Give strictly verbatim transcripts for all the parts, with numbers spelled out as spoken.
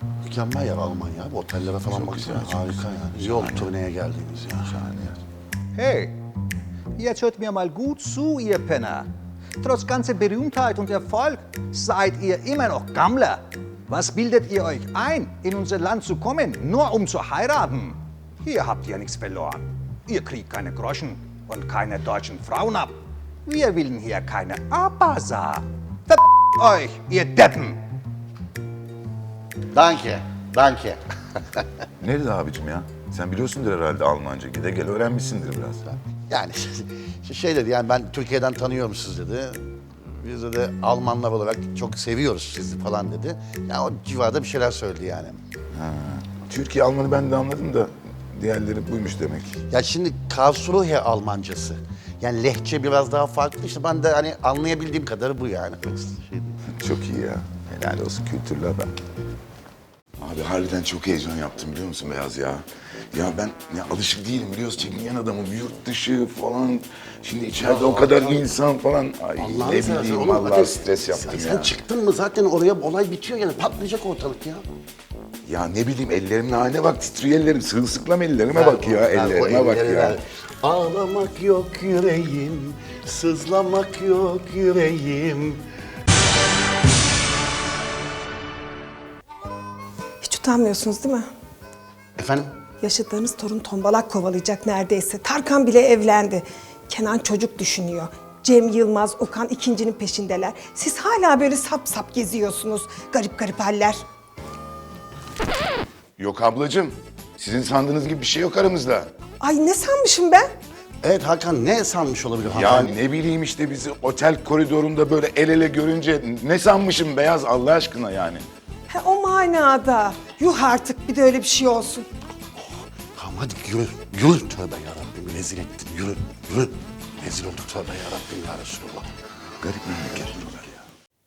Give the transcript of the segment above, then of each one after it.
Mükemmel yer Almanya. Bu otellere falan Çok baksana. güzel, çok Harika güzel. yani. Şahane. Yol turneye geldiğimiz ya. Şahane yer. Hey, jetzt hört mir mal gut zu, ihr Penner. Trotz ganzer Berühmtheit und Erfolg seid ihr immer noch Gammler. Was bildet ihr euch ein, in unser Land zu kommen, nur um zu heiraten? Hier habt ihr nichts verloren. Ihr kriegt keine Groschen und keine deutschen Frauen ab. Wir willen hier keine Abasa. Ver euch, ihr Deppen! Danke. Danke. Nerede abicim ya? Sen biliyorsundur herhalde Almanca. Gide gel öğrenmişsindir biraz. Yani şey dedi yani ben Türkiye'den tanıyorum siz dedi. Biz de Almanlar olarak çok seviyoruz sizi falan dedi. Yani o civarda bir şeyler söyledi yani. Türkiye Almanı ben de anladım da diğerleri buymuş demek. Ya şimdi Karlsruhe Almancası. Yani lehçe biraz daha farklı. İşte ben de hani anlayabildiğim kadarı bu yani. Şey değil. Çok iyi ya. Helal olsun kültürlü adam. Abi harbiden çok heyecan yaptım biliyor musun Beyaz ya? Ya ben ya alışık değilim biliyorsun çekingen adamım yurt dışı falan. Şimdi içeride o kadar insan falan. Ay Allah'ını ne seversen bileyim oğlum, vallahi zaten stres yaptım sen, ya. Sen çıktın mı zaten oraya olay bitiyor yani patlayacak ortalık ya. Ya ne bileyim ellerimin haline bak titriyor ellerim. Sırılsıklam ellerime bak ya Ver o ellerime bak elleri ya. ver. Ağlamak yok yüreğim, sızlamak yok yüreğim. Hiç utanmıyorsunuz değil mi? Efendim? Yaşadığınız torun tombalak kovalayacak neredeyse. Tarkan bile evlendi. Kenan çocuk düşünüyor. Cem Yılmaz, Okan ikincinin peşindeler. Siz hala böyle sap sap geziyorsunuz. Garip garip haller. Yok ablacığım. Sizin sandığınız gibi bir şey yok aramızda. Ay ne sanmışım ben? Evet Hakan ne sanmış olabilir Ya hanımefendi? ne bileyim işte bizi otel koridorunda böyle el ele görünce ne sanmışım Beyaz Allah aşkına yani. Ha, o manada. Yuh artık bir de öyle bir şey olsun. Tamam hadi yürü, yürü tövbe yarabbim rezil ettin yürü, yürü. Rezil olduk tövbe yarabbim ya Resulallah. Garip memleket buralar ya.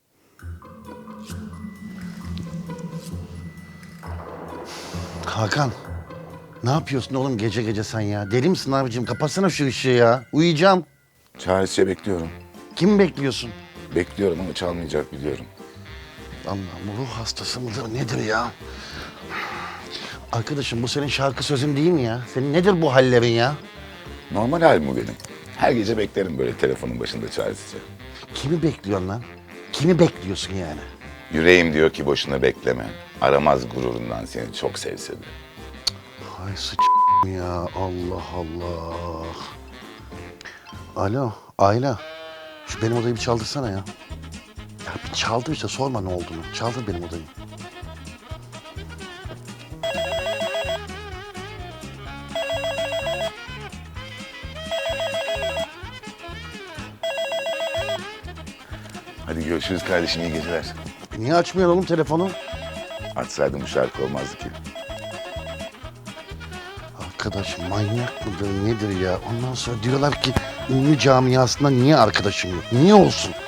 Hakan, ne yapıyorsun oğlum gece gece sen ya? Deli misin abicim? Kapatsana şu ışığı ya. Uyuyacağım. Çaresizce bekliyorum. Kimi bekliyorsun? Bekliyorum ama çalmayacak biliyorum. Allah'ım ruh hastası mıdır nedir ya? Arkadaşım bu senin şarkı sözün değil mi ya? Senin nedir bu hallerin ya? Normal halim bu benim. Her gece beklerim böyle telefonun başında çaresizce. Kimi bekliyorsun lan? Kimi bekliyorsun yani? Yüreğim diyor ki boşuna bekleme. Aramaz gururundan seni çok sevse de. Ay sıç ya Allah Allah. Alo Ayla. Şu benim odayı bir çaldırsana ya. Ya bir çaldır işte sorma ne olduğunu. Çaldır benim odayı. Hadi görüşürüz kardeşim iyi geceler. E niye açmıyorsun oğlum telefonu? Açsaydım bu şarkı olmazdı ki. Arkadaş manyak mıdır nedir ya? Ondan sonra diyorlar ki ünlü camiasında niye arkadaşın yok? Niye olsun?